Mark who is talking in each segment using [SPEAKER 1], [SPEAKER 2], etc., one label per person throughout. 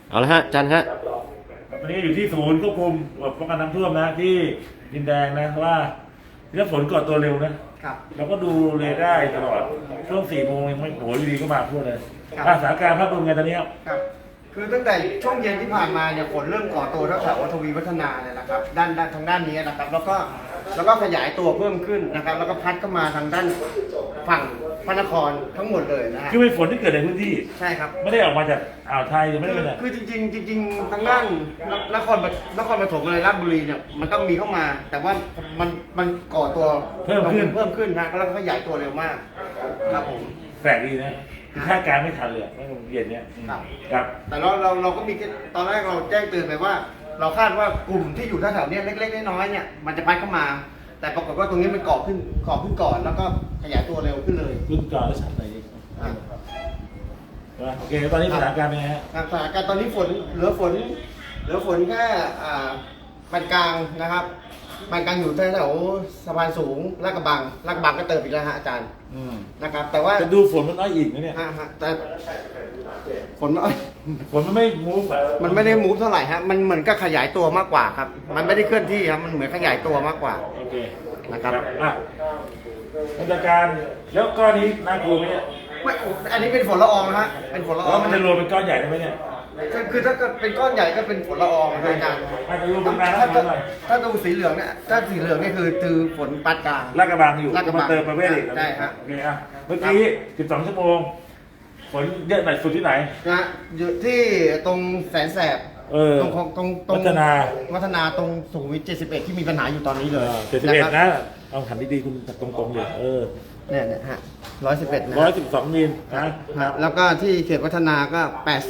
[SPEAKER 1] เอาละฮะอาจารย์ฮะ
[SPEAKER 2] ตอนนี้อยู่ที่ศูนย์ควบคุมป้องกันน้ำท่วมนะที่ดินแดงนะว่าถ้าฝนก่อตัวเร็วนะครับเราก็ดูเรดาร์ตลอดช่วง4 โมงยังไม่โหอยู่ดีก็มาทั่วเลยสถานการณ์ภาพรวมไงตอนนี้
[SPEAKER 3] ครับคือตั้งแต่ช่วงเย็นที่ผ่านมาเนี่ยฝนเริ่มก่อตัวแถวทวีวัฒนาเนี่ยนะครับด้านทางด้านนี้นะครับแล้วก็ขยายตัวเพิ่มขึ้นนะครับแล้วก็พัดเข้ามาทางด้านฝั่งพระนครทั้งหมดเลยนะฮะ
[SPEAKER 2] คือเป็นฝนที่เกิดในพื้นที่
[SPEAKER 3] ใช่ครับ
[SPEAKER 2] ไม่ได้ออกมาจากอ่าวไทยหรือไม่ได้เป็น
[SPEAKER 3] คือจริงๆทางด้านนครปฐมอะไรราชบุรีเนี่ยมันก็มีเข้ามา แต่ว่ามันก่อตัวเพิ่มขึ้นนะแล้วก็ขยายตัวเร็วมากครับผม
[SPEAKER 2] แปลกดีนะคาดการณ์ไม่ทันเลยไม่เย็นเนี้ยครับ
[SPEAKER 3] แต่เราก็มีตอนแรกเราแจ้งเตือนไปว่า เราคาดว่ากลุ่มที่อยู่แถวๆนี้เล็กๆน้อยๆเนี่ยมันจะพัดเข้ามา แต่ปรากฏว่าตรงนี้มันก่อขึ้นก่อนแล้วก็ขยายตัวเร็วขึ้นเลย
[SPEAKER 2] ขึ้นก่อนแล้วชั้นไหนโอเคตอนนี้สถานการณ์เป็นไงฮะ
[SPEAKER 3] สถานการณ์ตอนนี้เหลือฝนแค่ปานกลางนะครับปานกลางอยู่แถวสะพานสูงลาดกระบังก็เติมอีกแล้วฮะอาจารย์นะครับแต่ว่า
[SPEAKER 2] จะดูฝนมันน้อยอีกนะเนี่ย
[SPEAKER 3] แต่ฝน
[SPEAKER 2] มันไม่มูฟ
[SPEAKER 3] มันไม่ได้มูฟเท่าไหร่ฮะมันเหมือนกับขยายตัวมากกว่าครับมันไม่ได้เคลื่อนที่ครับมันเหมือนขยายตัวมากกว่า
[SPEAKER 2] โอเค
[SPEAKER 3] นะครับ
[SPEAKER 2] มาตรการแล้วก้อนนี้น่ากลัวไหมเนี่ย
[SPEAKER 3] อันนี้เป็นฝนละอองนะฮะเป็นฝนละออง
[SPEAKER 2] มันจะรวมเป็นก้อนใหญ่ได้ไหมเนี่ย
[SPEAKER 3] คือถ้าเกิดเป็นก้อนใหญ่ก็เป็นฝนละอองอาจารย์ถ้าดูสีเหลืองเนี่ยถ้าสีเหลืองนี่คือฝนปานกลาง
[SPEAKER 2] ลาดกระบังอยู่
[SPEAKER 3] มา
[SPEAKER 2] เติมประเวศอีก
[SPEAKER 3] ใช่ครับ
[SPEAKER 2] โอเคเมื่อกี้12 ชั่วโมงฝนเยอะหน่อยสุดที่ไหน
[SPEAKER 3] นะอยู่ที่ตรงแสนแสบตรง
[SPEAKER 2] วัฒ
[SPEAKER 3] นาตรงสุขุมวิท71ที่มีปัญหาอยู่ตอนนี้เลย
[SPEAKER 2] 71นะเอาหันดีๆคุณตรงๆเลย
[SPEAKER 3] เนี่ยฮะ111นะ
[SPEAKER 2] 112 มิลนะ
[SPEAKER 3] แล้วก็ที่เขตวัฒนาก็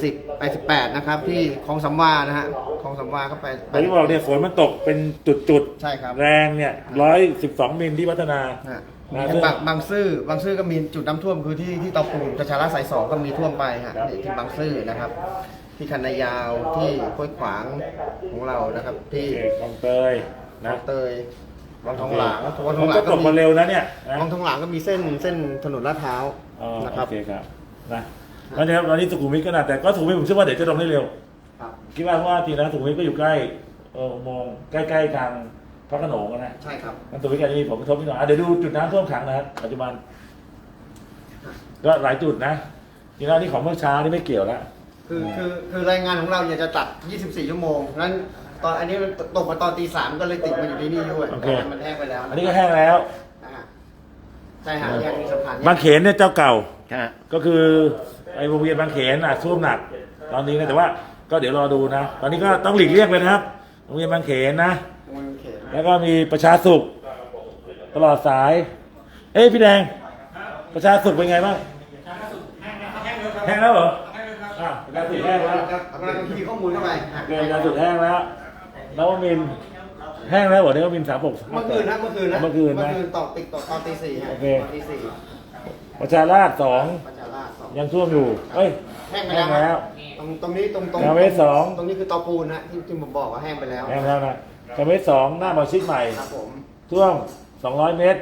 [SPEAKER 3] 88นะครับที่คลองสำวานะฮะคลองสำวาก็ไป
[SPEAKER 2] ที่บอกเนี่ยฝนมันตกเป็นจุด
[SPEAKER 3] ใช่ครับ
[SPEAKER 2] แรงเนี่ย112 มิลที่วัฒนา
[SPEAKER 3] บางซื่อก็มีจุดน้ำท่วมคือที่เตาปูนประชาราษฎร์สาย2ก็มีท่วมไปฮะที่บางซื่อนะครับที่คันนายาวที่ห้วยขวางของเรานะครับที่
[SPEAKER 2] คลองเตย
[SPEAKER 3] นะเตยวังทองหลาง
[SPEAKER 2] ก็ตกมาเร็วนะเนี่ย
[SPEAKER 3] วังทองหลางก็มีเส้นถนนลาดพร้าวนะครับ
[SPEAKER 2] โอเคครับนะแล้วเนี่ยตอนนี้สุขุมวิทก็น่าแต่ก็สุขุมวิทผมเชื่อว่าเดี๋ยวจะลงได้เร็วคิดว่าเพราะว่าทีนั้นสุขุมวิทก็อยู่ใกล้มองใกล้ๆทางพระโขนงนะ
[SPEAKER 3] ใช่ครับ
[SPEAKER 2] มันสุขุมวิทจะมีผลกระทบนิดหน่อยเดี๋ยวดูจุดน้ำท่วมขังนะครับปัจจุบันก็หลายจุดนะทีนั้นนี่ของเมื่อเช้านี่ไม่เกี่ยวแล้ว
[SPEAKER 3] คือรายงานของเราเนี่ยจะตัด24 ชั่วโมงนั้นตอนอันนี้มันตกมาตอนตี 3ก็เลยติดมาอยู่ที่นี่ด้วยมันแห้งไปแล้ว
[SPEAKER 2] อันนี้ก็แห้งแล้ว
[SPEAKER 3] ใช่ฮะยังมีสะพาน
[SPEAKER 2] บางเขนเนี่ยเจ้าเก่าก็คือไอ้วงเวียนบางเขนท่วมหนักตอนนี้นะแต่ว่าก็เดี๋ยวรอดูนะตอนนี้ก็ต้องหลีกเลี่ยงไปนะครับวงเวียนบางเขนนะแล้วก็มีประชาสุขตลอดสายพี่แดงประชาสุขเป็นไงบ้างแห้งแล้วเหรอประชาสุขแห้งแล้ว
[SPEAKER 3] กำลังคีย์ข้อมูลเข้าไป
[SPEAKER 2] ประชาสุขแห้งแล้วแล้วมินแห้งแล้วเหรอเนี่ยมิน36
[SPEAKER 3] เมื่อคืนต่อตี 4
[SPEAKER 2] โอเคประชาราษฎร์2ยังท่วมอยู่
[SPEAKER 3] แห้งไปแล้วตรงนี้ตรง
[SPEAKER 2] เวส2
[SPEAKER 3] ตรงนี้คือเตาปูนนะที่ผมบอกว่าแห้งไปแล้ว
[SPEAKER 2] แห้งแล้วนะเวส2หน้าบอชิดใหม่ท่วม200 เมตร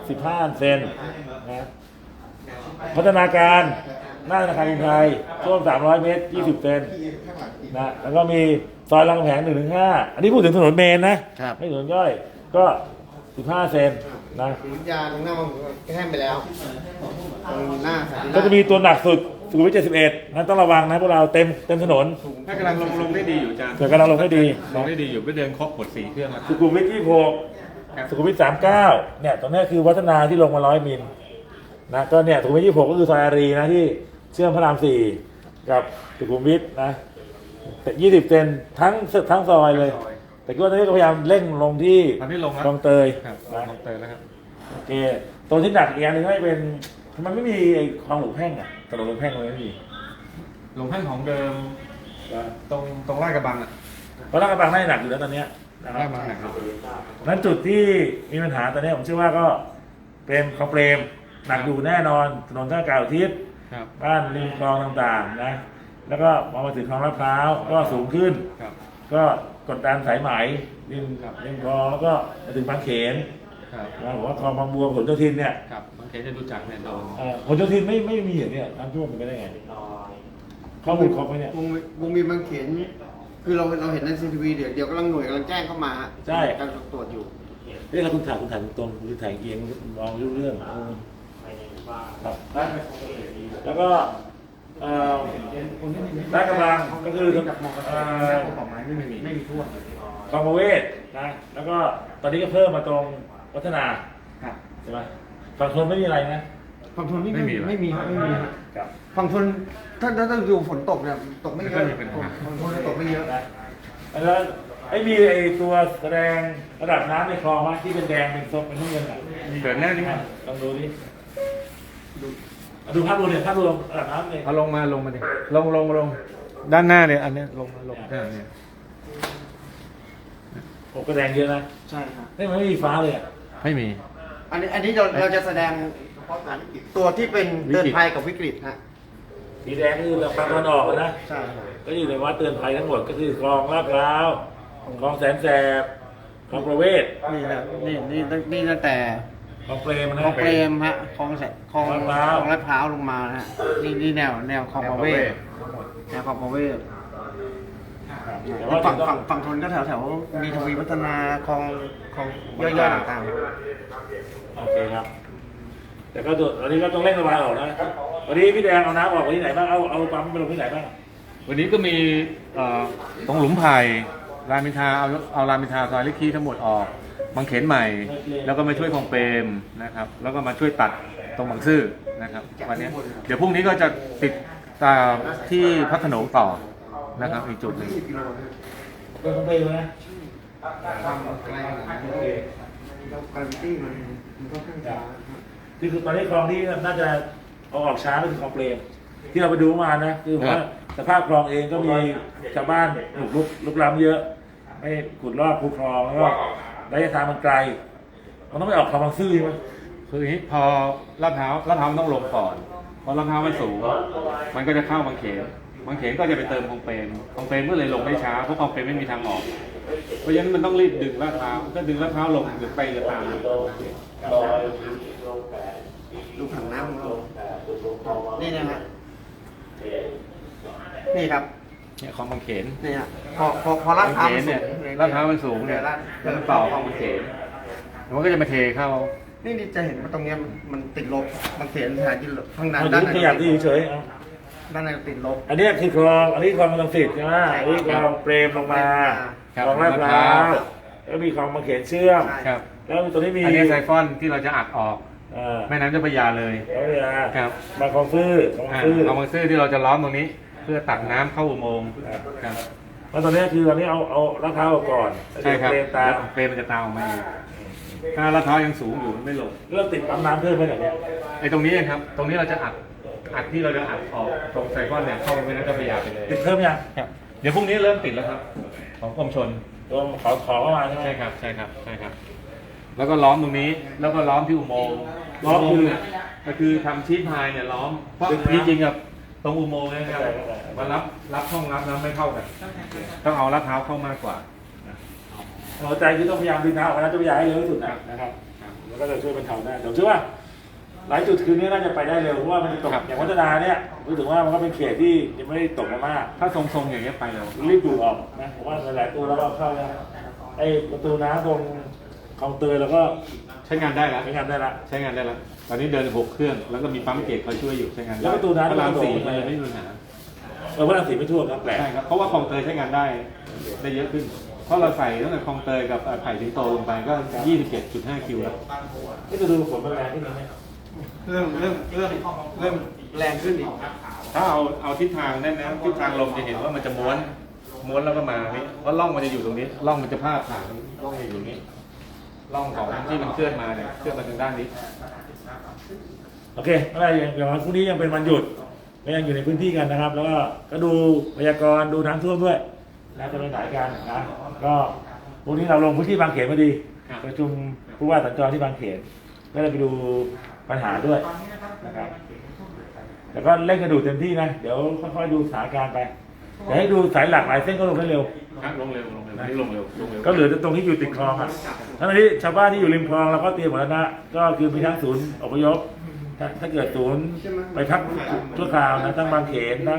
[SPEAKER 2] 15 เซนนะพัฒนาการหน้าธนาคารกรุงไทยท่วม300 เมตร20 เซนนะแล้วก็มีซอยรามคำแหง 1-5 อันนี้พูดถึงถนนเมนนะไม่ถนนย่อยก็15 เซนนะ
[SPEAKER 3] ยาตรงหน้ามันแห้งไปแล้วตรงหน้า
[SPEAKER 2] ก็จะมีตัวหนักสุดสุขุมวิท71นั้นต้องระวังนะพวกเราเต็มถนน
[SPEAKER 4] ถ้ากำลังลงได้ดีอยู่อาจารย์
[SPEAKER 2] กำลังลงได้ดี
[SPEAKER 4] อยู่ไปเดินครบหมด4 เครื่องแล้ว
[SPEAKER 2] สุขุมวิท26สุขุมวิท39เนี่ยตรงนี้คือวัฒนาที่ลงมา100 มิลนะก็เนี่ยสุขุมวิท26ก็คือซอยอารีนะที่เชื่อมพระราม4กับสุขุมวิทนะแต่20 เซนทั้งซอยเลยแต่ก็ตอนนี้ก็พยายามเร่งลงที่คลองเตย
[SPEAKER 4] คลองเตยแล้วครับ
[SPEAKER 2] โอเคตัวที่หนักอีกอย่างนึงก็เป็นมันไม่มีคลองหลวงแพ่งถนนหลวงแพ่งเลยไม่มี
[SPEAKER 4] หลวงแพ่งของเดิมตรงลาดกระบัง
[SPEAKER 2] เพราะลาดกระบังน่าจะหนักอยู่แล้วตอนนี้
[SPEAKER 4] ลาดกระบังหนัก
[SPEAKER 2] นั้นจุดที่มีปัญหาตอนนี้ผมเชื่อว่าก็เป็นคลองเปรมหนักอยู่แน่นอนถนนท่าเก่าทิศบ้านริมคลองต่างๆนะแล้วก็มาถึงคลองลาดพร้าวก็สูงขึ้นก็กดดันสายไหมริมคลองแล้วก็มาถึงบางเขนผมว่าคลองบางบัวผลโยธินเนี่ย
[SPEAKER 4] บางเขนจะรู้จักเนี่ยโดน
[SPEAKER 2] ผลโยธินไม่มีอย่างนี้น้ำท่วมมันไปได้ไงข้อมูลครบไหมเนี่ยว
[SPEAKER 3] งเวียนบางเขนคือเราเห็นในซีทีวีเดี๋ยวกำลังหน่วยกำลังแจ้งเข้ามา
[SPEAKER 2] ใช่
[SPEAKER 3] การตรวจอยู่
[SPEAKER 2] เฮ้ยเราคุณถ่ายตรงคุณถ่ายเอียงมองรู้เรื่องครับแล้วก็ลาดกระบังก็คือคลองประเวศนะแล้วก็ตอนนี้ก็เพิ่มมาตรงวัฒนาใช่ไหมฝั่งทนไม่มีอะไรนะ
[SPEAKER 3] ฝั่งทนไม่มี
[SPEAKER 2] ครับ
[SPEAKER 3] ฝั่งทนถ้าดูฝนตกเนี่ยตกไม่เยอะฝั่งทนตกไม่เยอะ
[SPEAKER 2] นะแล้วไอ้มีไอ้ตัวแสดงระดับน้ำในคลองวะที่เป็นแดงเป็นส้มเป็นน้ำเงินอ่ะ
[SPEAKER 4] เกิดแน่นี่
[SPEAKER 2] ลองดูดิดูภาพรวมเนี่ยภาพรวมระดับน้ำเลย
[SPEAKER 4] เอาลงมาดิลงด้านหน้าเนี่ยอันเนี้ยลงเนี่ย
[SPEAKER 2] โอ้ก็แดงเยอะนะ
[SPEAKER 3] ใช่ครับ
[SPEAKER 2] นี่มันไม่มีฟ้าเลยอ่ะ
[SPEAKER 4] ไม่มี
[SPEAKER 3] อันนี้เราจะแสดงตัวที่เป็นเตือนภัยกับวิกฤตฮะ
[SPEAKER 2] สีแดงก็คือฝั่งตะวันออกนะ
[SPEAKER 3] ใช่ครับ
[SPEAKER 2] ก็อยู่ในวัดเตือนภัยทั้งหมดก็คือคลองลาดพร้าวคลองแสนแสบคลองประเวศ
[SPEAKER 3] นี่นะนี่ตั้งแต่
[SPEAKER 2] คลองเปรมนะ
[SPEAKER 3] คลองเปรมฮะคลองลาดพร้าวลงมานะฮะนี่แนวคลองประเวศแนวคลองประเวศ
[SPEAKER 2] แต่ว่า
[SPEAKER 3] ฝั่งทนก็แถวมีทวีวัฒนาคลองย่อยๆต่าง
[SPEAKER 2] โอเคครับ แต่ก็วันนี้ก็ต้องเร่งระบายออกนะวันนี้พี่แดงเอาน้ำออกไปที่ไหนบ้างเอาปั๊มไปลงที่ไหนบ้าง
[SPEAKER 4] วันนี้ก็มีตรงหลุมไผ่รามอินทราเอารามอินทราซอยลิคีทั้งหมดออกบางเขนใหม่ แล้วก็มาช่วยคลองเปรมนะครับแล้วก็มาช่วยตัดตรงบางซื่อนะครับวันนี้เดี๋ยวพรุ่งนี้ก็จะติดตามที่พัฒโขนงต่อนะครับอีกจุดหนึ่ง
[SPEAKER 3] ๆกิโลนะ
[SPEAKER 2] ก็ต้องไปนะ
[SPEAKER 3] ความไกลขนาดนี้การวิตี้มันก็ค่อนข้างช้า
[SPEAKER 2] ที่คือตอนนี้คลองที่น่าจะเอาออกช้าก็คือคลองเปรมที่เราไปดูมานะคือว่าสภาพคลองเองก็มีชาวบ้านลุกล้ำเยอะไม่ขุดลอกคูคลองแล้วก็ระยะทางมันไกลมันต้องไปออกคลองบางซื่อใช่ไหม
[SPEAKER 4] คืออย่างนี้พอลาดพร้าวมันต้องลงก่อนพอลาดพร้าวมันสูงมันก็จะเข้าบางเขนก็จะไปเติมคลองเปรมก็เลยลงได้ช้าเพราะคลองเปรมไม่มีทางออกเพราะฉะนั้นมันต้องรีบดึงลาดพร้าวถ้าดึงลาดพร้าวลงหรือไปหรือตาม
[SPEAKER 3] ดูผังน้ำของเรานี่นะฮะนี่ครับ
[SPEAKER 4] เนี่ยคลองบางเขน
[SPEAKER 3] นี่ฮะพอลาดพร้าวมันสู
[SPEAKER 4] เนี่ย
[SPEAKER 3] ง
[SPEAKER 4] ลาดพร้าวมันสูงเนี่ยแล้วมันต่อคลองบางเขนมันก็จะมาเทเข้า
[SPEAKER 3] นี่จะเห็นว่าตรงเนี้ยมันติดลบบางเขนสถานที่ข้างใน
[SPEAKER 2] เอา
[SPEAKER 3] ด้าน
[SPEAKER 2] ดู
[SPEAKER 3] ใน
[SPEAKER 2] ขยับที่เฉยๆเอา
[SPEAKER 3] ด้านในติดลบ
[SPEAKER 2] อันนี้คือคลองอันนี้คลองลังสิตใช่ไหมอันนี้คลองเปรมลงมา
[SPEAKER 4] ครับ
[SPEAKER 2] คลองลาดพร้าวแล้วมีคลองบางเขนเชื่อม
[SPEAKER 4] ครับ
[SPEAKER 2] แล้วตัวนี้มี
[SPEAKER 4] อันนี้ไซฟอนที่เราจะอัดออก
[SPEAKER 2] า
[SPEAKER 4] แม่น้ำเจ้าพระยาเลย
[SPEAKER 2] แล้วเวลา
[SPEAKER 4] ครับ
[SPEAKER 2] มาคลองซื่อคลองซื่อ
[SPEAKER 4] เอาบางซื่อที่เราจะล้อมตรงนี้ เพื่อตัดน้ำเข้าอุโมงค์ครับ
[SPEAKER 2] แล้วตอนนี้คือตอนนี้เอาลาดพร้าวออกก่อน
[SPEAKER 4] ใช่ครับ
[SPEAKER 2] เปรมตาม
[SPEAKER 4] เปรมมันจะตามออกมาเองถ้าลาดพร้าวยังสูงอยู่มันไม่ลง
[SPEAKER 2] เริ่มติดปั๊มน้ำเพิ่มไปหน่อยเนี่ย
[SPEAKER 4] ไอ้ตรงนี้ครับ ตรงนี้เราจะอัดที่เราจะอัดออกตรงไซฟอนเนี่ยเข้าไปแม่น้ำเจ้าพระยาไปเลย
[SPEAKER 2] ติดเพิ่มยัง
[SPEAKER 4] ครับเดี๋ยวพรุ่งนี้เริ่มติดแล้วครับ ของกรมชน
[SPEAKER 2] ตัวขอเข้ามาใช่ไหม
[SPEAKER 4] ใช่ครับใช่ครับ แล้วก็ล้อมตรงนี้ แล้วก็ล้อมที่อุโมงค์ล้อมคือก็คือทำชีทพายเนี่ยล้อมเพราะจริงๆกับตรงอุโมงค์เนะครับมารับช่องรับน้ำไม่เข้ากันต้องเอาลาดพร้าวเข้ามากกว่า
[SPEAKER 2] หัวใจคือต้องพยายามดึงน้ำออกมาแล้วจะพยายามให้เร็วที่สุดนะครับแล้วก็จะช่วยบรรเทาได้เดี๋ยวเชื่อว่าหลายจุดคืนนี้น่าจะไปได้เร็วเพราะว่ามันจะตกอย่างวัฒนาเนี่ยรู้สึกว่ามันก็เป็นเขตที่ยังไม่ได้ตกมามาก
[SPEAKER 4] ถ้าทรงๆอย่างเงี้ยไปแล้ว
[SPEAKER 2] รีบดูดออกนะผมว่าหลายๆตัวแล้วก็เข้าแล้วไอ้ประตูน้ำตรงคลองเตยแล้วก็
[SPEAKER 4] ใช้งานได้แล้ว
[SPEAKER 2] ใช้งานได้ละ
[SPEAKER 4] ใช้งานได้แล้วตอนนี้เดิน6 เครื่องแล้วก็มีปั๊มเกตคอยช่วยอยู่ใช้งานได้
[SPEAKER 2] แล้วประตูน้ำ
[SPEAKER 4] พระราม
[SPEAKER 2] ก็
[SPEAKER 4] 4
[SPEAKER 2] โดด
[SPEAKER 4] มันเลยไม่มีปัญหา
[SPEAKER 2] พระรามสี่ไม่ท่วมนะแปลก
[SPEAKER 4] ใช่ครับเพราะว่าคลองเตยใช้งานได้เยอะขึ้น เพราะเราใส่ตั้งแต่คลองเตยกับไผ่สิงโตลงไปก็ 27.5 คิวแล้ว
[SPEAKER 2] นี่จะดูฝนมันแรงขึ้นไหม
[SPEAKER 3] เริ่มแรงขึ้นอีก
[SPEAKER 4] ถ้าเอาทิศทางได้นะทิศทางลมจะเห็นว่ามันจะม้วนแล้วก็มานี่เพราะร่องมันจะอยู่ตรงนี้ร่องมันจะพาดผ่านร่องอยู่ตรงนี้ร่องของที่มันเคลื่อนมาเนี่ยเคลื่อนมาทางด้านนี้
[SPEAKER 2] โอเคอะไรอย่างวันพรุ่งนี้ยังเป็นวันหยุดก็ยังอยู่ในพื้นที่กันนะครับ แล้วก็ดูพยากรณ์ดูน้ำท่วมด้วยนะจะไปไหนกันนะก็พรุ่งนี้เราลงพื้นที่บางเขนพอดีประชุมผู้ว่าสัญจรที่บางเขนก็เลยไปดูปัญหาด้วยนะครับแต่ก็เร่งกระดูเต็มที่นะเดี๋ยวค่อยๆดูสถานการณ์ไปเดี๋ยวให้ดูสายหลักหลายเส้นก็ลงได้เร็ว
[SPEAKER 4] ครับลงเร็วนี่ลงเร็ว
[SPEAKER 2] ก็เหลือแต่ตรงที่อยู่ติดคลองอ่ะทั้งนี้ชาวบ้านที่อยู่ริมคลองเราก็เตรียมหมดแล้วนะก็คือมีทั้งศูนย์อพยพถ้าเกิดศูนย์ไปพักชั่วคราวนะทั้งบางเขนทั้ง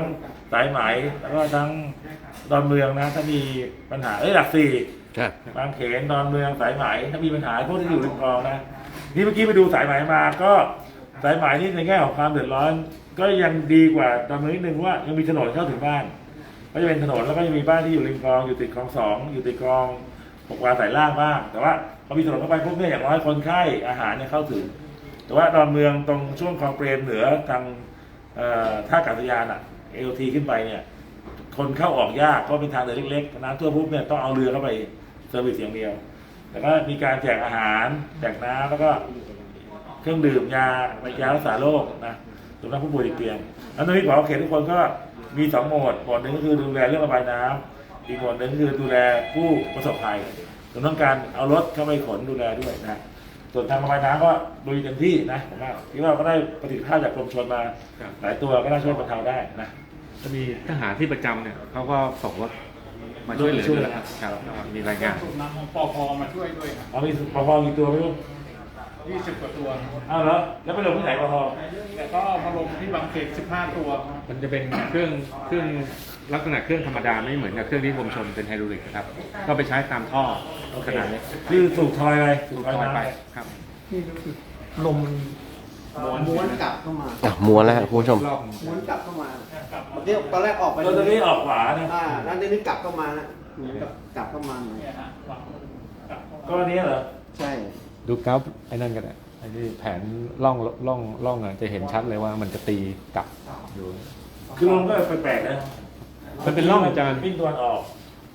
[SPEAKER 2] สายไหมแล้วก็ทั้งดอนเมืองนะถ้ามีปัญหาหลักสี่
[SPEAKER 1] ครับ
[SPEAKER 2] บางเขนดอนเมืองสายไหมถ้ามีปัญหาพวกที่อยู่ริมคลองนะนี่เมื่อกี้ไปดูสายไหมมาก็สายไหมนี่ในแง่ของความเดือดร้อน ก็ยังดีกว่าดอนเมืองนิดนึงว่ายังมีถนนเข้าถึงบ้านก็จะเป็นถนนแล้วก็จะมีบ้านที่อยู่ริมคลองอยู่ติดคลอง2อยู่ติดคลอง6 วาสายล่างบ้างแต่ว่าพอมีถนนเข้าไปพวกนี้อย่างน้อยคนไข้อาหารเนี่ยเข้าถึงแต่ว่าดอนเมืองตรงช่วงคลองเปรมเหนือทางท่าอากาศยานLT ขึ้นไปเนี่ยคนเข้าออกยากเพราะเป็นทางเดินเล็กๆน้ำท่วมปุ๊บเนี่ยต้องเอาเรือเข้าไปเซอร์วิสอย่างเดียวแต่ก็มีการแจกอาหารแจกน้ำแล้วก็เครื่องดื่มยารักษาโรคนะสำหรับผู้ป่วยติดเตียงแล้วตอนนี้หมอเขตทุกคนก็มี2 โหมดหนึ่งก็คือดูแลเรื่องระบายน้ำอีกโหมดหนึ่งก็คือดูแลผู้ประสบภัยส่วนต้องการเอารถเข้าไปขนดูแลด้วยนะส่วนทางระบายน้ำก็ดูเต็มที่นะผมว่าคิดว่าก็ได้ประสิทธิภาพจากกรมชลมาหลายตัวก็น่าช่วยบรรเทาได้นะ
[SPEAKER 4] จะมีทหารที่ประจำเนี่ยเขาก็ส่งรถมาช่วยเหลือด้วยครับมีรายงาน
[SPEAKER 5] สูบน้ำของปอพมาช่วยด้วยครับ
[SPEAKER 2] เอามีปภกี่ตัวไม่รู้
[SPEAKER 5] 20 กว่าตัว
[SPEAKER 2] เอาเหรอแล้วไปลงที่ไหนปภ
[SPEAKER 5] แต่ก็มาลงที่บางเขต15 ตัวครับ
[SPEAKER 4] มันจะเป็นเครื่องลักษณะเครื่องธรรมดาไม่เหมือนกับเครื่องที่กรมชลเป็นไฮดรอลิกนะครับก็ไปใช้ตามท่อขนาดเล็ก
[SPEAKER 2] คือสูบทอยอะไรสูบทอย
[SPEAKER 4] ลอยไป
[SPEAKER 2] น้ำ
[SPEAKER 4] ครับ
[SPEAKER 3] นี่รู้สึกลมม้วนกลับเข้ามา
[SPEAKER 1] ม้วนแล้วครับคุณผู้ชม
[SPEAKER 4] รอบ
[SPEAKER 3] ม้วนกลับเข้ามาเมื่อกี้ตอนแรกออกไป
[SPEAKER 2] ตัวนี้ออกขวานะ
[SPEAKER 3] แล้วนี่กลับเข้ามาแล้วเหมือนกับกลับเข้ามาหน่อย
[SPEAKER 2] ก็อันนี้เหรอ
[SPEAKER 3] ใช่
[SPEAKER 4] ดูกราฟไอ้นั่นกันอ่ะไอ้ที่แผนล่องอ่ะจะเห็นชัดเลยว่ามันจะตีกลับอยู่
[SPEAKER 2] คือลมก็แปลกๆนะ
[SPEAKER 4] มันเป็นร่องอาจารย์
[SPEAKER 2] วิ่งตัวนออก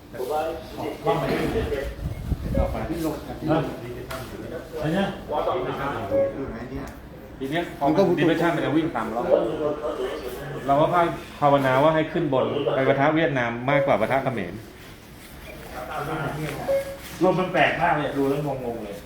[SPEAKER 3] ที่ลง
[SPEAKER 2] นะอะไรเนี่ย
[SPEAKER 4] ทีเนี้ยพอมันดิเวชั่นมันจะวิ่งตามร่องเราก็ภาวนาว่าให้ขึ้นบนไปปะทะเวียดนามมากกว่าปะทะเขมร
[SPEAKER 2] ลมมันแปลกมากเลยดูแล้วงงๆเลย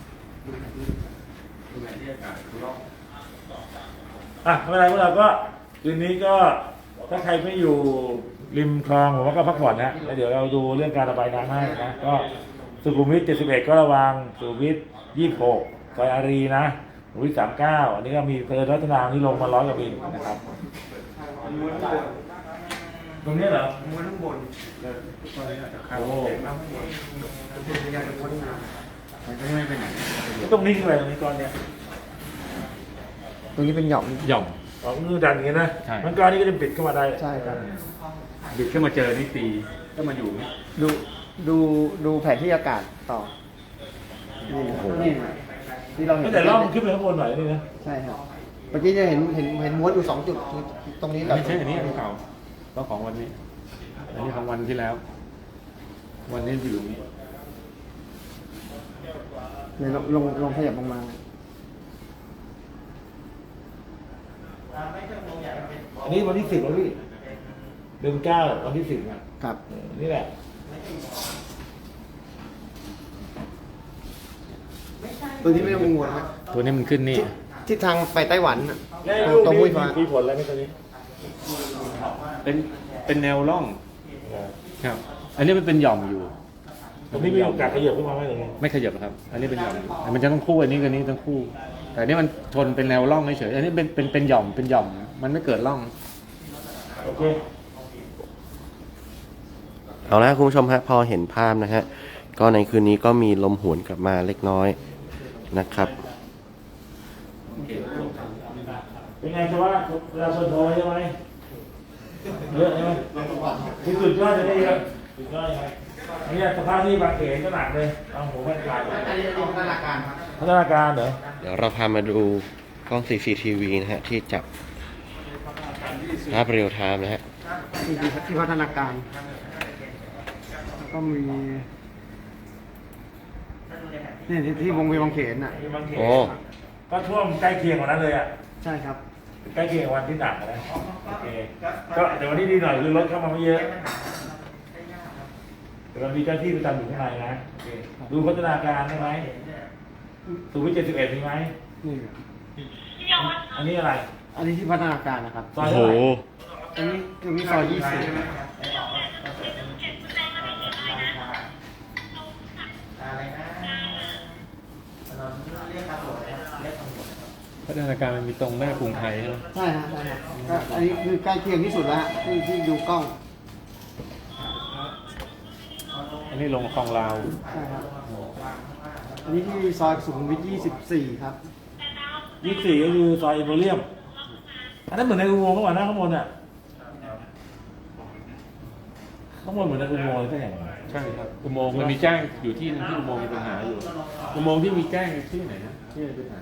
[SPEAKER 2] อ่ะไม่เป็นไรพวกเราก็คืนนี้ก็ถ้าใครไม่อยู่ริมคลองผมว่าก็พักผ่อนนะแล้วเดี๋ยวเราดูเรื่องการระบายน้ำให้นะก็สุขุมวิท71ก็ระวังสุขุมวิท26ซอยอารีนะสุขุมวิท39อันนี้ก็มีเพลินรัตนาที่ลงมา100 กว่าบินนะครับตรงนี้เหรอ
[SPEAKER 3] ม้วนข้างบน
[SPEAKER 2] โอ้โห
[SPEAKER 4] ไม่เป็นไหน
[SPEAKER 2] ตรงนี้คืออะไรตรงนี้ก้อนเนี้ย
[SPEAKER 3] ตรงนี้เป็นหย่อม
[SPEAKER 4] หย่อม
[SPEAKER 2] อ๋อมือดันอย่างนี้นะ
[SPEAKER 4] ใช่
[SPEAKER 2] มันก้อนนี้ก็จะปิดเข้ามาได้
[SPEAKER 3] ใช่ครับ
[SPEAKER 4] บิดขึ้นมาเจอนี่ตีก็มาอยู่นี่
[SPEAKER 3] ดูแผนที่อากาศต่อนี่นะที่เราเห็น
[SPEAKER 2] แต่ล่องขึ้นไปข้างบนหน่อยนี่นะ
[SPEAKER 3] ใช่ครับเมื่อกี้จะเห็นม้วนอยู่2 จุดตรงนี้กับ
[SPEAKER 4] ไม่ใช่อันนี้อันเก่าก็ของวันนี้ อันนี้ของวันที่แล้ว วันนี้อยู่ตรงนี้
[SPEAKER 3] เนี่ยลงขยับลงมา
[SPEAKER 2] อันนี้วันที่10แล้วพี่เดือน9วันที่10นะครับ นี่แหละ
[SPEAKER 3] ตัวนี้ไม่ต้องกังวลครับ
[SPEAKER 4] ตัวนี้มันขึ้นนี่
[SPEAKER 3] ทิศทางไปไต้หวันน่ะ
[SPEAKER 2] แล้ว
[SPEAKER 3] ต
[SPEAKER 2] ลูก
[SPEAKER 3] รง
[SPEAKER 2] นี้
[SPEAKER 3] มุ้ยฟ้า
[SPEAKER 2] มีผลอะไรไหมตอนนี้
[SPEAKER 4] เป็นแนวร่องครับ อันนี้มันเป็นหย่อมอยู่
[SPEAKER 2] ตรงนี้มีโอกาสขยับขึ้นมาไหมตรงนี้
[SPEAKER 4] ไม่ขยับครับ อันนี้เป็นหย่อมอยู่มันจะต้องคู่อันนี้กับนี้ต้องคู่ แต่อันนี้มันชนเป็นแนวร่องเฉยๆอันนี้เป็นหย่อมเป็นหย่อม มันไม่เกิดร่อง
[SPEAKER 2] โอเค
[SPEAKER 1] เอาละคุณผู้ชมฮะพอเห็นภาพนะฮะก็ในคืนนี้ก็มีลมหวนกลับมาเล็กน้อยนะครับ
[SPEAKER 2] เป็นไงจะว่าเวลาชนโทรใช่ไหมเยอะใช่ไหมที่สุดยอดจะได้เยอะสุดยอดยังไงอันนี้สภาพที่บางเขนก็หนักเลยเอาหัวมันกลาย
[SPEAKER 3] อันนี้พัฒนาการครับ
[SPEAKER 2] พัฒนาการเหรอ
[SPEAKER 1] เดี๋ยวเราพามาดูกล้อง CCTV นะฮะที่จับภาพเรียลไทม์นะฮะ
[SPEAKER 3] ที่พัฒนาการแล้วก็มีนี่ที่วงเวียนบางเขนน่ะ
[SPEAKER 2] ที่บางเขน
[SPEAKER 1] โอ้
[SPEAKER 2] ก็ท่วมใกล้เคียงกว่านั้นเลยอ่ะ
[SPEAKER 3] ใช่ครับ
[SPEAKER 2] ใกล้เคียงกับวันที่หนักนะโอเคก็แต่วันนี้ดีหน่อยคือรถเข้ามาไม่เยอะแต่เรามีเจ้าที่ประจำอยู่ข้างในนะโอเคดูพัฒนาการได้ไหมสุขุมวิท71มีไหม
[SPEAKER 3] นี่
[SPEAKER 2] อันนี้อะไร
[SPEAKER 3] อันนี้ที่พัฒนาการนะครับ
[SPEAKER 2] ซอย
[SPEAKER 1] โอ้โห
[SPEAKER 2] เท่าไหร่
[SPEAKER 3] อันนี้ซอย20
[SPEAKER 4] พัฒนาการมันมีตรงหน้ากรุงไทยใช่ไหม
[SPEAKER 3] ใช่ฮะใช่ฮะก็อันนี้คือใกล้เคียงที่สุดแล้วฮะที่ดูกล้อง
[SPEAKER 4] อันนี้ลงคลองลาว
[SPEAKER 3] ใช่ครับอันนี้ที่ซอยสุขุมวิท24 ครับ
[SPEAKER 2] 24ก็คือซอยเอเบอเรียมอันนั้นเหมือนในอุโมงค์ข้างบนนะข้างบนอ่ะข้างบนเหมือนในอุโมงค์เลยใช่ไหม
[SPEAKER 4] ใช่ครับอุโมงค์มันมีแจ้งอยู่ที่นึงที่อุโมงค์มีปัญหาอยู่อุโมงค์ที่มีแจ้งที่ไหนนะที่มีปัญหา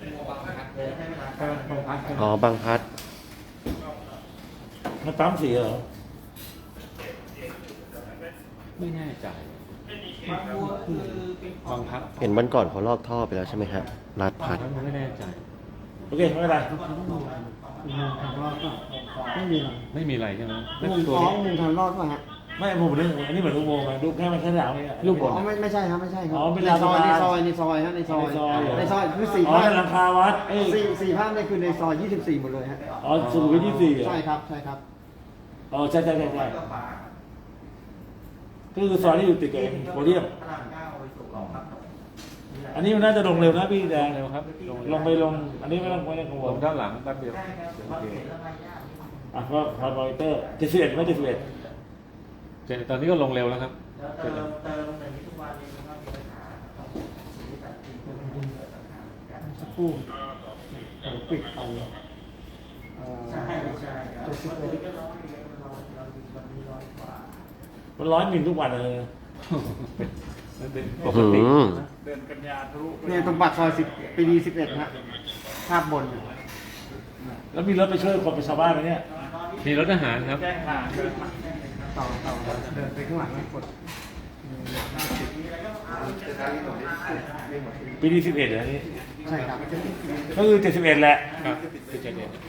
[SPEAKER 4] บางพัด
[SPEAKER 1] อ๋อบางพัด
[SPEAKER 2] มันปั๊มสีเหรอ
[SPEAKER 4] ไม่แน่ใจบางพัด
[SPEAKER 1] เห็นวันก่อนเขาลอกท่อไปแล้วใช่ไหมฮะลาดพัด
[SPEAKER 4] มันไม่แน่ใจ
[SPEAKER 2] โอเคไม่เป็นไร
[SPEAKER 3] ไม่มีหรอก
[SPEAKER 4] ไม่มีอะไรใช่ไหม
[SPEAKER 3] มุมท้องมุมทางรอดป่ะฮะ
[SPEAKER 2] ไม่ผมเรื่องอันนี้เหมือนอุโมงค์ไงรูปแค่มันแค่หนาวเนี่ย
[SPEAKER 4] รูปบน
[SPEAKER 3] อ๋อไม่ใช่ครับไม่ใช่ครับ
[SPEAKER 2] อ๋อเป็น
[SPEAKER 3] ในซอย
[SPEAKER 2] ลาน
[SPEAKER 3] ในซอยในซอยฮะในซอย
[SPEAKER 2] ในซอยเหรอ
[SPEAKER 3] ในซอยคือสี่
[SPEAKER 2] อ๋อ
[SPEAKER 3] ภาพ
[SPEAKER 2] ในหลังคาวัดเอ้ย
[SPEAKER 3] สี่ภาพเนี่ยคือในซอย24หมดเลยฮะ
[SPEAKER 2] อ๋อสุขุมวิท24เหรอ
[SPEAKER 3] ใช่ครับใช่ครับ
[SPEAKER 2] อ๋อใช่ก็คือซอยที่อยู่ติดกับโพเดียมอันนี้มันน่าจะลงเร็วนะพี่แดง
[SPEAKER 4] เร็วครับ
[SPEAKER 2] ลงไปลง อันนี้ไม่ต้องกังว
[SPEAKER 4] ล
[SPEAKER 2] ล
[SPEAKER 4] งด้านหลังแป๊บเดียวโอเค
[SPEAKER 2] อ่ะก็พอมอนิเตอร์71ไม่71
[SPEAKER 4] ตอนนี้ก็ลงเร็วแล้วครับเสร็จแล้ว
[SPEAKER 3] สักครู่ปิดไปตัวสิบเอ็ด
[SPEAKER 2] มัน100 มิลทุกวันเลย
[SPEAKER 4] มันเป็นป
[SPEAKER 1] อื้อก
[SPEAKER 4] ติ
[SPEAKER 1] หือ
[SPEAKER 5] เดินกันยาทะลุไป
[SPEAKER 3] เนี่ยตรงปากซอย10ปีดี11ฮะภาพบน
[SPEAKER 2] แล้วมีรถไปช่วยคนไปชาวบ้านไหมเนี่ย
[SPEAKER 4] มีรถทหารครับ
[SPEAKER 5] แจ้งทางเดินมา
[SPEAKER 3] ต่อเดินไปข้างหลังกด
[SPEAKER 2] ปีที่11เหรอนี่
[SPEAKER 3] ใช่ครับ
[SPEAKER 2] ก็คือ71แหละ
[SPEAKER 4] ครับคือจะเด็ด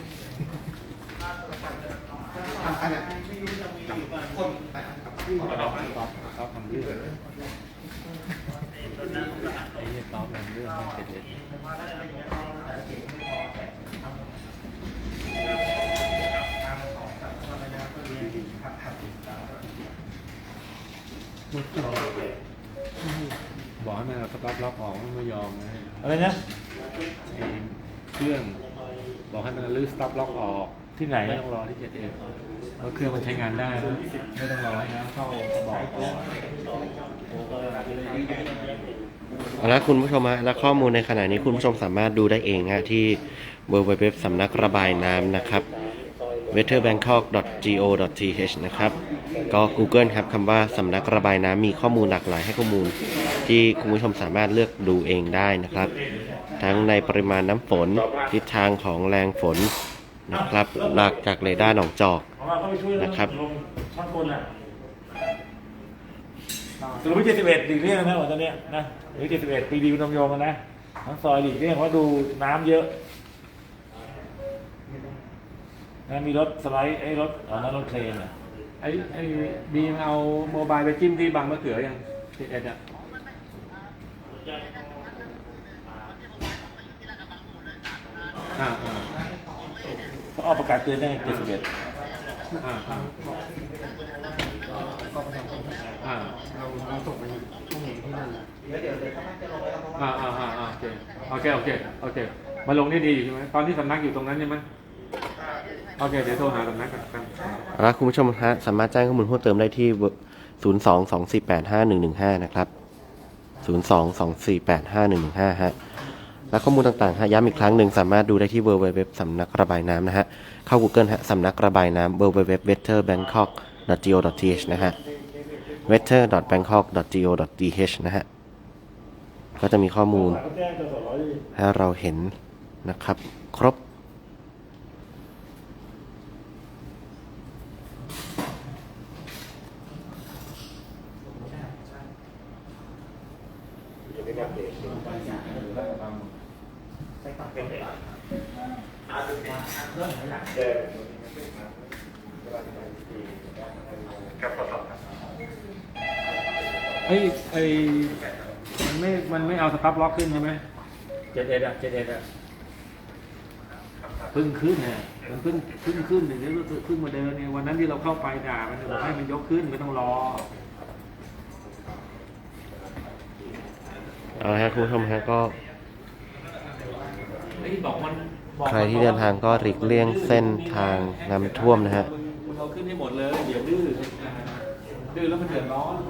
[SPEAKER 3] อันนี้
[SPEAKER 4] เขาทำเรื่องไอ้เนี่ยต้อมทำเรื่องให้เด็ด บอกให้มันเอาสต็อปล็อกออกมันไม่ยอมนะ
[SPEAKER 2] อะไรนะ
[SPEAKER 4] ไอ้เครื่องบอกให้มันรื้อสต็อปล็อกออก
[SPEAKER 2] ที่ไหน
[SPEAKER 4] ไม่ต้องรอที่7เอ็มเพราะเครื่องมันใช้งานได้นะไม่ต้องรอให้น้ำเข้าบอกออก
[SPEAKER 1] แล้วคุณผู้ชมฮะและข้อมูลในขณะนี้คุณผู้ชมสามารถดูได้เองฮะที่ www สำนักระบายน้ำนะครับ weatherbangkok.go.th นะครับก็ Google ครับคำว่าสำนักระบายน้ำมีข้อมูลหลากหลายให้ข้อมูลที่คุณผู้ชมสามารถเลือกดูเองได้นะครับ ทั้งในปริมาณน้ำฝนทิศทางของแรงฝนนะครับหลักจากเรดาร์หนองจอก
[SPEAKER 2] ของเราก็ไปช่วย
[SPEAKER 1] นะครับ
[SPEAKER 2] ลงช่างกลน่ะสุขุมวิท71หลีกเลี่ยงนะวันตอนเนี้ยนะหรือ71ปีดีนมโยมกันนะทั้งซอยหลีกเลี่ยงเพราะดูน้ำเยอะนะมีรถสไลด์ไอ้รถนั่นรถเครนอ่ะ
[SPEAKER 4] ไอ้บีมเอาโมบายไปจิ้มที่บางมะเขือยัง7เอ็ดอ่ะอ่า
[SPEAKER 2] เขาออกประกาศเตือนได้71
[SPEAKER 4] อ่าอ่า
[SPEAKER 3] เราส่งไปข้อมูลที่นั่น
[SPEAKER 4] โอเคมาลงได้ดีใช่ไหมตอนที่สำนักอยู่ตรงนั้นใช่ไหมโอเคเดี๋ยวโทรหาสำนักกัน
[SPEAKER 1] แล้วคุณผู้ชมฮะสามารถแจ้งข้อมูลเพิ่มเติมได้ที่ 022485115 นะครับ 022485115 ฮะ และข้อมูลต่างๆฮะย้ำอีกครั้งหนึ่งสามารถดูได้ที่ www สำนักระบายน้ำนะฮะ เข้า Google ฮะสำนักระบายน้ำ www weatherbangkok.go.th นะฮะ weather.bangkok.go.th นะฮะ ก็จะมีข้อมูล
[SPEAKER 2] เขาแจ้งจะสอย
[SPEAKER 1] ให้เราเห็นนะครับ ครบ
[SPEAKER 4] ไอ้มันไม่เอาสต็อปล็อกขึ้นใช่ไหม7เอ็ดอ่ะเพิ่งขึ้นเนี่ยมันเพิ่งขึ้นอย่างนี้ก็เพิ่งมาเดินเนี่ยวันนั้นที่เราเข้าไปด่ามันบอกให้มันยกขึ้นไม่ต้องรอ
[SPEAKER 1] เอาละครับคุณผู้ชมฮะก็
[SPEAKER 4] ไอ้อ้บอกมัน
[SPEAKER 1] ใครที่เดินทางก็หลีกเลี่ยงเส้นทางน้ำท่วมนะฮะ
[SPEAKER 4] มึงเอาขึ้นให้หมดเลยเดี๋ยวดื้อดื้อแล้วมันเดือดร้อน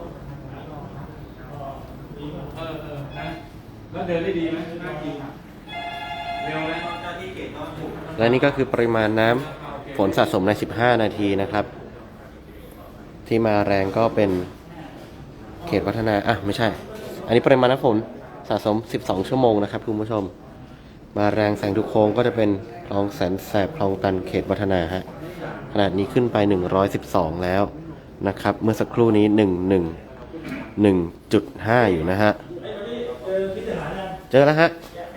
[SPEAKER 4] นะแล้วเดินได้ดีไหมน่ากินเร็วเลย
[SPEAKER 1] และนี่ก็คือปริมาณน้ำฝนสะสมใน 15 นาทีนะครับ ที่มาแรงก็เป็นเขตวัฒนาไม่ใช่ อันนี้ปริมาณน้ำฝนสะสม 12 ชั่วโมงนะครับคุณผู้ชม มาแรงแสงทุกโค้งก็จะเป็นคลองแสนแสบคลองตันเขตวัฒนาฮะขนาดนี้ขึ้นไป 112 แล้วนะครับ เมื่อสักครู่นี้ 1.5 อยู่นะฮะ เจอแล้วฮะ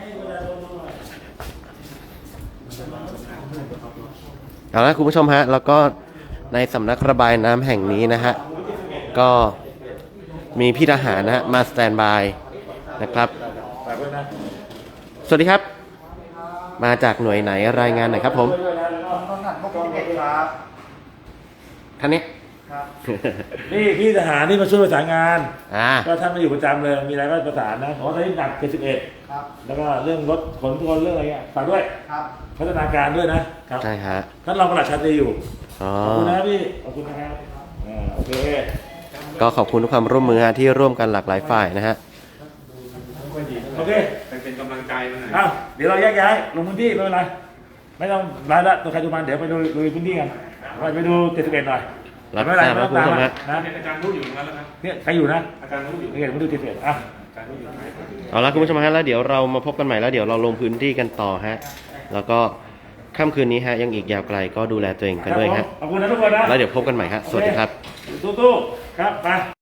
[SPEAKER 1] เอาละคุณผู้ชมฮะ แล้วก็ในสำนักระบายน้ำแห่งนี้นะฮะ ก็มีพี่ทหารนะฮะมาสแตนบายนะครับ
[SPEAKER 2] ฝากด้วยนะ
[SPEAKER 1] สวัสดีครับ มาจากหน่วยไหนรายงานหน่อยครับผม
[SPEAKER 3] ต้นหัดพวก21ครับ
[SPEAKER 1] ท่านนี้
[SPEAKER 3] ครับ
[SPEAKER 2] นี่พี่ทหารที่มาช่วยประสานงาน ก็ท่านมาอยู่ประจำเลย มีอะไรก็ประสานนะเพราะว่าตอนนี้หนัก71
[SPEAKER 3] ครับ
[SPEAKER 2] แล้วก็เรื่องรถขนคนเรื่องอะไรเงี้ยฝากด้วย
[SPEAKER 3] ครับ
[SPEAKER 2] พัฒนาการด้วยนะครับ
[SPEAKER 1] ใช่ฮะ
[SPEAKER 2] ท่านรองปลัดชาตรีอยู่
[SPEAKER 1] อ๋อ
[SPEAKER 2] ขอบคุณนะครับพี่ ขอบคุณนะครับโอเค
[SPEAKER 1] ก็ขอบคุณทุกความร่วมมือฮะที่ร่วมกันหลากหลายฝ่ายนะฮะ
[SPEAKER 2] โอเค
[SPEAKER 4] เป็นกำลังใจมาหน่อย
[SPEAKER 2] อ้าวเดี๋ยวเราแยกย้ายลงพื้นที่ไม่เป็นไร ไม่ต้องรายละตัวใครตัวมันเดี๋ยวไปดูพื้นที่กันไปดู71หน่อย
[SPEAKER 1] รับ
[SPEAKER 2] ไม่เป็นไร
[SPEAKER 1] ทราบ
[SPEAKER 2] ไม่ต้องตาม
[SPEAKER 1] ครับคุณผู้ชม
[SPEAKER 2] นะ
[SPEAKER 1] ฮะ
[SPEAKER 2] นะ
[SPEAKER 4] อาจารย์รู้อยู่ตรงนั้นแล้วครับ
[SPEAKER 2] เนี่ยใครอยู่นะ
[SPEAKER 4] อาจารย์รู้อยู่
[SPEAKER 2] นี่เดี๋ยวมาดู71อ่ะ
[SPEAKER 4] อาจารย์รู้อยู่ไหน
[SPEAKER 1] เอาละคุณผู้ชมฮะแล้วเดี๋ยวเรามาพบกันใหม่แล้วเดี๋ยวเราลงพื้นที่กันต่อฮะ แล้วก็ค่ำคืนนี้ฮะยังอีกยาวไกลก็ดูแลตัวเองกันด้วยฮะ
[SPEAKER 2] ขอบคุณนะทุกคนนะ
[SPEAKER 1] แล้วเดี๋ยวพบกันใหม่ฮะ สวัสดีครับ
[SPEAKER 2] สู้ๆครับไป